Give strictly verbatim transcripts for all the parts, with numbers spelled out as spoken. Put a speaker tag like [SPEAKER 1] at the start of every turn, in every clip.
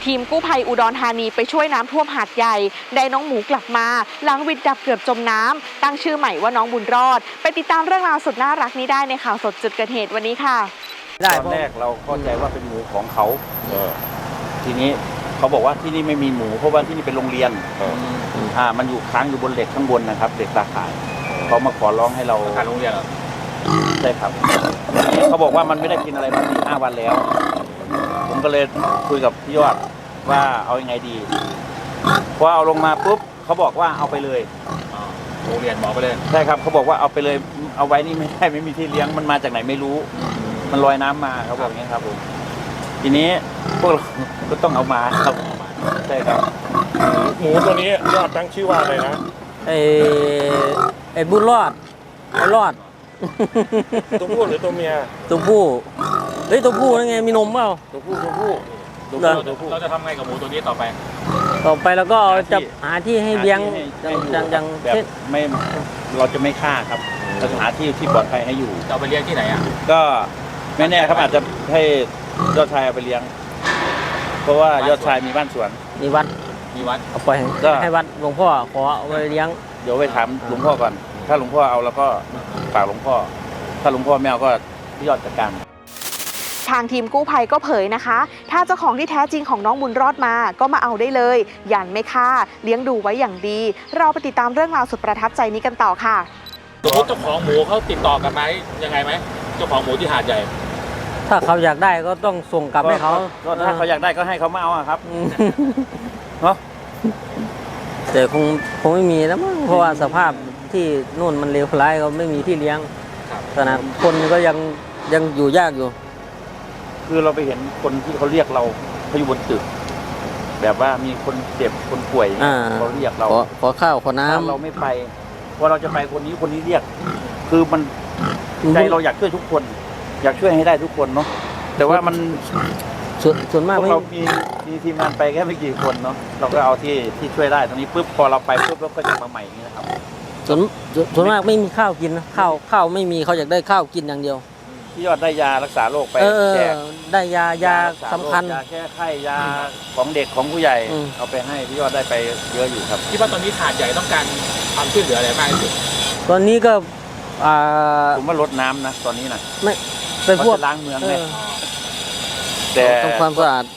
[SPEAKER 1] ทีมกู้ภัยอุดรธานีไปช่วยน้ำท่วมหาดใหญ่ได้น้องหมูกลับมาหลังวิดดับเกือบจมน้ำตั้งชื่อใหม่ว่าน้องบุญรอดไปติดตามเรื่องราวสุดน่ารักนี้ได้ในข่าวสดจุดเกิดเหตุวันนี้ค่ะ
[SPEAKER 2] ตอนแรกเราเข้าใจว่าเป็นหมูของเขาทีนี้เขาบอกว่าที่นี่ไม่มีหมูเพราะว่าที่นี่เป็นโรงเรียนอ่ามันอยู่ค้างอยู่บนเหล็กข้างบนนะครับเหล็กตาข่ายเขามาขอร้องให้เรา
[SPEAKER 3] อาคารโรงเรียนเหรอ
[SPEAKER 2] ใช่ครับเขาบอกว่ามันไม่ได้กินอะไรมาสี่ห้าวันแล้วผมก็เลยคุยกับพี่ยอดว่าเอายังไงดีพอเอาลงมาปุ๊บเขาบอกว่าเอาไปเลย
[SPEAKER 3] โรงเรียนบอกไปเลย
[SPEAKER 2] ใช่ครับเขาบอกว่าเอาไปเลยเอาไว้นี่ไม่ได้ไม่มีที่เลี้ยงมันมาจากไหนไม่รู้มันลอยน้ำมาเขาบอกอย่างนี้ครับผมทีนี้พวกเราก็ต้องเอามาครับใช่ครับ
[SPEAKER 4] หมูตัวนี้ยอดตั้งชื่อว่าอะไรนะ
[SPEAKER 5] ไอ้ไอ้บุญรอดไอ้รอด
[SPEAKER 4] ตัวผู้หรือตัวเมีย
[SPEAKER 5] ตัวผู้เฮ้ยตัวผู้นั่นไงมีนมเปล่า
[SPEAKER 4] ตัวผู้ตัวผู้
[SPEAKER 3] ตัวผู้เราจะทำไงกับหมูตัวนี้ต่อไป
[SPEAKER 5] ต่อไปแล้วก็จะหาที่ให้เลี้ยงอย่างอย่าง
[SPEAKER 2] แบบไม่เราจะไม่ฆ่าครับเราจะหาที่ที่ปลอดภัยให้อยู่
[SPEAKER 3] จะเอาไปเลี้ยงที่ไหนอ่ะ
[SPEAKER 2] ก็ไม่แน่ครับอาจจะให้ยอดชายเอาไปเลี้ยงเพราะว่ายอดชายมีบ้านสวน
[SPEAKER 5] มีวัด
[SPEAKER 3] มีวัด
[SPEAKER 5] เอาไปก็ให้วัดหลวงพ่อขอเอาไปเลี้ยง
[SPEAKER 2] เดี๋ยวไปถามหลวงพ่อก่อนถ้าหลวงพ่อเอาแล้วก็ฝากหลวงพ่อถ้าหลวงพ่อไม่เอาก็พี่ยอดจัดการ
[SPEAKER 1] ทางทีมกู้ภัยก็เผยนะคะถ้าเจ้าของที่แท้จริงของน้องบุญรอดมาก็มาเอาได้เลยยันไม่ฆ่าเลี้ยงดูไว้อย่างดีเราไปติดตามเรื่องราวสุดประทับใจนี้กันต่อค่ะ
[SPEAKER 3] สมมติเจ้าของหมูเขาติดต่อกันไหมยังไงไหมเจ้าของหมูที่หาดใหญ่
[SPEAKER 5] ถ้าเขาอยากได้ก็ต้องส่งกลับให้เขา
[SPEAKER 2] ถ้าเขาอยากได้ก็ให้เขามาเอาครับเนาะ
[SPEAKER 5] แต่คงคงไม่มีแล้วมั้งเพราะว่าสภาพที่นู่นมันเลวร้ายเขาไม่มีที่เลี้ยงขนาดคนก็ยังยังอยู่ยากอยู่
[SPEAKER 2] คือเราไปเห็นคนที่เขาเรียกเราเขาอยู่บนตึกแบบว่ามีคนเจ็บคนป่วยเขาเรียกเรา
[SPEAKER 5] ขอข้าวขอน้ำ
[SPEAKER 2] เราไม่ไปพอเราจะไปคนนี้คนนี้เรียกคือมันใจเราอยากช่วยทุกคนอยากช่วยให้ได้ทุกคนเนาะแต่ว่ามัน
[SPEAKER 5] ส่วนส่วนมาก
[SPEAKER 2] เรามีมีทีมงานไปแค่ไม่กี่คนเนาะเราก็เอาที่ที่ช่วยได้ตรงนี้ปุ๊บพอเราไปปุ๊บเราก็จะมาใหม่นี่นะครับ
[SPEAKER 5] ส่วนส่วนมากไม่มีข้าวกินนะข้าวข้าวไม่มีเขาอยากได้ข้าวกินอย่างเดียว
[SPEAKER 2] พี่ยอดได้ยารักษาโรคไปแจก
[SPEAKER 5] ได้ยายาสำคัญ
[SPEAKER 2] ยาแก้ไข้ยาของเด็กของผู้ใหญ่เอาไปให้พี่ยอดได้ไปเยอะอยู่ครับ
[SPEAKER 3] คิดว่าตอนนี้หาดใหญ่ต้องการความช่วยเหลืออะไรมากที่สุด
[SPEAKER 5] ตอนนี้ก็
[SPEAKER 2] ผมว่าลดน้ำนะตอนนี้นะ
[SPEAKER 5] ไม่เป็นพวก
[SPEAKER 2] ล้างเมืองเนี่ยแต่
[SPEAKER 5] ต้องความสะอาด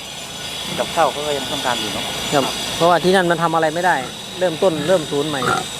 [SPEAKER 2] กับข้าวเขาก็ยังต้องการอยู่เนาะ
[SPEAKER 5] ครับเพราะว่าที่นั่นมันทำอะไรไม่ได้เริ่มต้นเริ่มศูนย์ใหม่